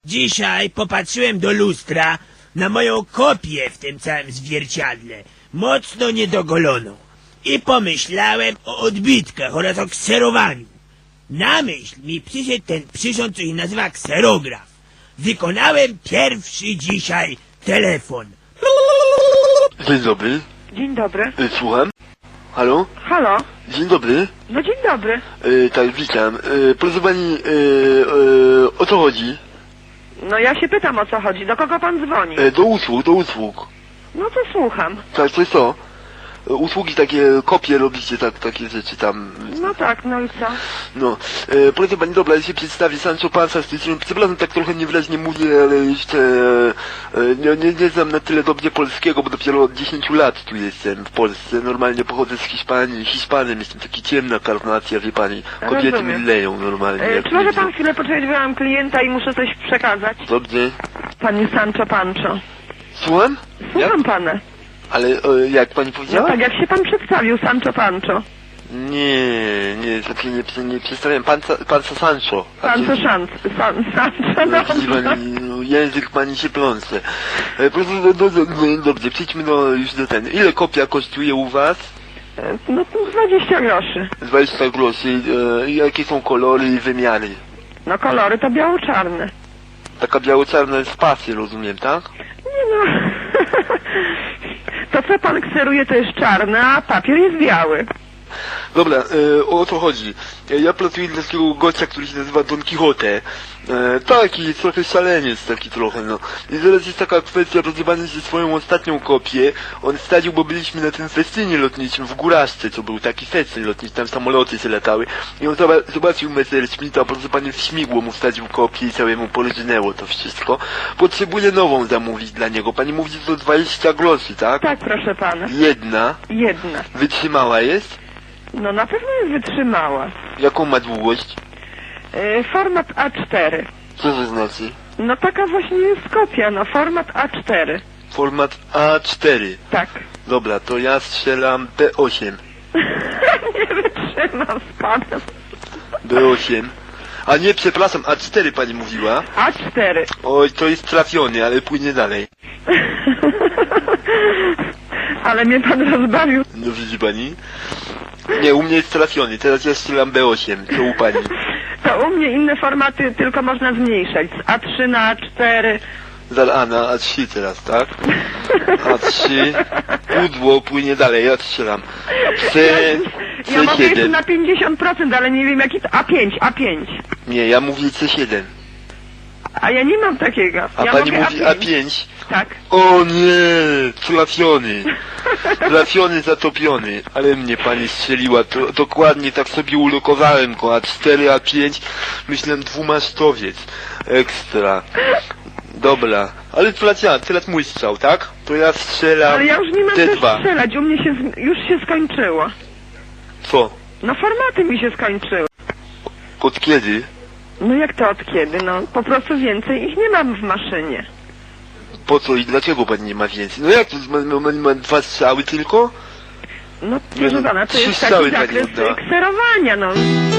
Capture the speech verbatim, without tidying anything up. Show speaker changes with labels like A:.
A: Dzisiaj popatrzyłem do lustra na moją kopię w tym całym zwierciadle, mocno niedogoloną. I pomyślałem o odbitkach oraz o kserowaniu. Na myśl mi przyszedł ten przyrząd, co się nazywa kserograf. Wykonałem pierwszy dzisiaj telefon.
B: Dzień dobry.
C: Dzień dobry.
B: Y, Słucham? Halo?
C: Halo?
B: Dzień dobry.
C: No dzień dobry.
B: Y, tak, witam. Y, proszę pani, y, y, o co chodzi?
C: No ja się pytam, o co chodzi. Do kogo pan dzwoni?
B: Y, do usług, do usług.
C: No to słucham.
B: Tak, to jest to. Y, usługi takie, kopie robicie, tak, takie rzeczy tam.
C: No tak, no i co?
B: No. Y, proszę pani, dobra, ja się przedstawię. Sancho Panza z tej strony. Przepraszam, tak trochę niewyraźnie mówię, ale jeszcze y, nie, nie, nie znam na tyle dobrze polskiego, bo dopiero od dziesięciu lat tu jestem w Polsce. Normalnie pochodzę z Hiszpanii. Hiszpanem jestem, taki ciemna karnacja, wie pani. Kobiety
C: Rozumiem.
B: mi leją normalnie.
C: E,
B: jak
C: czy może
B: widzę.
C: pan chwilę poczekać, bo ja mam klienta i muszę coś przekazać?
B: Dobrze.
C: Panie Sancho Pancho.
B: Słucham?
C: Słucham
B: Jak?
C: pana.
B: Ale e, jak pani
C: No
B: powiedziała?
C: tak, jak się pan przedstawił, Sancho Pancho.
B: Nie, nie, znaczy nie, nie przedstawiam. Pan, Sa- pan Sancho.
C: Sancho Szanc. San, Sancho,
B: No, widzi
C: no.
B: pani, no, język pani się plącze. E, proszę, no, no, no, dobrze, przejdźmy do, już do ten. Ile kopia kosztuje u was?
C: E, No to dwadzieścia groszy.
B: dwadzieścia groszy. E, jakie są kolory i wymiary?
C: No kolory to biało-czarne.
B: Taka biało-czarna jest pasy, rozumiem, tak?
C: Nie no. To co pan kseruje to jest czarne, a papier jest biały.
B: Dobra, e, o co chodzi? E, ja pracuję dla takiego gościa, który się nazywa Don Quixote. E, taki, trochę szaleniec taki trochę, no. I zaraz jest taka kwestia, rozrywając się swoją ostatnią kopię. On wstawił, bo byliśmy na tym festynie lotniczym w Góraszce, co był taki festyn lotniczy, tam samoloty się latały. I on zoba- zobaczył Messerschmitta, proszę pani, w śmigło mu wstawił kopię i całemu polżynęło to wszystko. Potrzebuję nową zamówić dla niego. Pani mówi, że to dwadzieścia groszy, tak?
C: Tak, proszę pana.
B: Jedna.
C: Jedna.
B: Wytrzymała jest?
C: No na pewno jest wytrzymała.
B: Jaką ma długość?
C: E, format A cztery.
B: Co to znaczy?
C: No taka właśnie jest kopia, no format A cztery.
B: Format A cztery.
C: Tak.
B: Dobra, to ja strzelam B osiem.
C: Nie wytrzymam z panem.
B: B osiem. A nie, przepraszam, A cztery pani mówiła.
C: A cztery.
B: Oj, to jest trafiony, ale płynie dalej.
C: Ale mnie pan rozbawił.
B: No widzi pani? Nie, u mnie jest trafiony, teraz ja strzelam B osiem. Co u pani?
C: To u mnie inne formaty tylko można zmniejszać. Z A trzy na A cztery.
B: Za A na A trzy teraz, tak? A trzy. Pudło płynie dalej, ja strzelam. C,
C: Ja mogę jeszcze
B: C siedem.
C: na pięćdziesiąt procent, ale nie wiem jaki to... A pięć, A pięć.
B: Nie, ja mówię C siedem.
C: A ja nie mam takiego.
B: A
C: ja
B: pani
C: mogę
B: mówi A pięć.
C: Tak.
B: O nie, trafiony. Trafiony, zatopiony. Ale mnie pani strzeliła, to, dokładnie tak sobie ulokowałem go. A cztery, A pięć, myślałem dwumasztowiec. Ekstra. Dobra, ale to ja, teraz mój strzał, tak? To ja strzelam
C: Ale ja już nie mam
B: T
C: też
B: dwa.
C: strzelać, u mnie się, z- już się skończyło.
B: Co?
C: No formaty mi się skończyły.
B: Od kiedy?
C: No jak to od kiedy? No po prostu więcej ich nie mam w maszynie.
B: Po co i dlaczego pani nie ma więcej? No jak to, ma, ma, ma dwa strzały tylko?
C: No
B: Nie,
C: proszę
B: no,
C: pana, to
B: trzy
C: jest
B: strzały
C: taki
B: pani
C: zakres
B: oddała.
C: kserowania, no.